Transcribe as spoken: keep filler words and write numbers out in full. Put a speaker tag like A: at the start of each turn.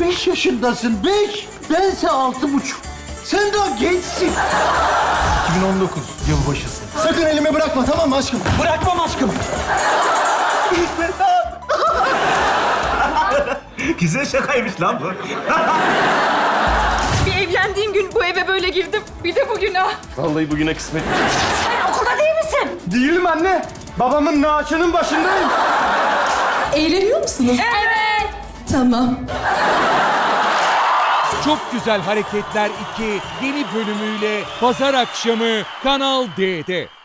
A: beş yaşındasın, beş. Bense altı buçuk. Sen daha gençsin.
B: iki bin on dokuz yılbaşısı.
C: Sakın elimi bırakma, tamam mı aşkım?
B: Bırakmam aşkım.
D: Güzel şakaymış lan bu.
E: Bir evlendiğim gün bu eve böyle girdim. Bir de bugün ha.
C: Vallahi bugüne kısmet.
E: Sen okulda değil misin?
C: Değilim anne. Babamın naaşının başındayım.
F: Eğleniyor musunuz?
E: Evet.
F: Tamam.
G: Çok Güzel Hareketler iki yeni bölümüyle pazar akşamı Kanal D'de.